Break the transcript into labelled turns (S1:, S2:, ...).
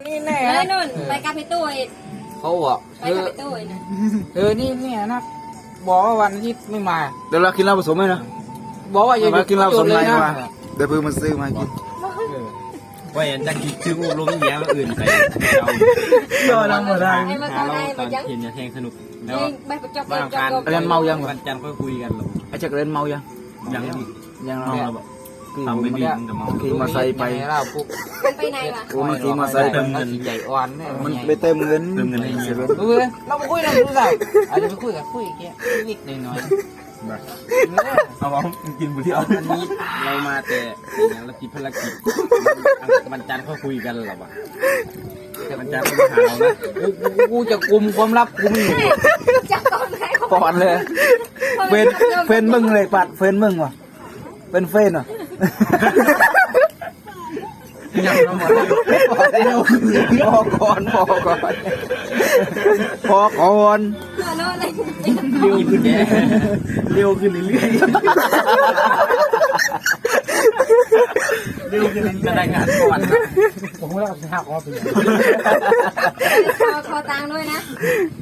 S1: นี่แน่
S2: เลยนุ่นไปกับพี่ตุ้ย
S1: เขาบอก
S2: ไปกับพี่ตุ้ยนะ
S1: นี่เนี่ยนะบอกว่าวันอาทิตย์ไม่มา
S3: เดี๋ยวเรากินเหล้าผสมไหมนะ
S1: บอกว่าอย่าหยุ
S3: มา
S1: ด
S3: กินเหล้าผสม
S1: เล
S3: ไร
S1: ยนะ
S3: มาเดี๋ยวเพิ่งมาซื้อมากิน
S4: ว่าอย่างจะคิดชื่อลงแย้มอื่นไป
S3: ก็ทำมาได้
S2: ไอ้มา
S4: หา
S2: ตอน
S4: เรา
S2: ไหน
S4: ต
S2: มา
S4: อน
S2: ยัง
S4: เห็นจะแทงสนุกแล้ว
S2: ไปประจบ
S4: ว่างการ
S3: เรียนเมายัง
S4: วันจันทร์ก็คุยกันหรอ
S3: ไอ้จักรเล่นเมายัง
S4: ยัง
S3: ยัง
S4: เมา
S3: เนาะ
S4: เราแบบทำไม่ดีมันจะเมา
S3: ขี่มาใส่ไป
S1: เราปุ๊บ
S2: มันไปไหนวะ
S3: โอ้มันขี่มาใส่ไป
S1: ใหญ่อ่อนเนี่ย
S3: มันไปเติมเงิน
S1: ดูเลยเราไปคุยเราดูได้อาจจะไปคุยกับคุยแค่นิดหน่อย
S4: เอาเอากินบุหรี่เอาอันนี้เรามาแต่อย่างเราคิดภารกิจวันจันทร์เขาคุยกันหรอวะวันจันทร์เขาหาเรานะ
S1: กูจะกลุ่มความลับกูไม่อยู่
S2: จับตอนไหน
S3: ปอนเลยเฟนมึงเลยปัดเฟนมึงวะเป็นเฟนอ่ะ
S1: ยังน้ำมัน
S3: พอก่อนพอก่อนพอก่อน
S2: โน่นเลย
S4: เร็วขึ้นเร็วขึ้นเรื่อยเร็วขึ้นจะได้งานก่อน
S1: ผมก็จะหักออกไปเลย
S2: คอตังด้วยนะ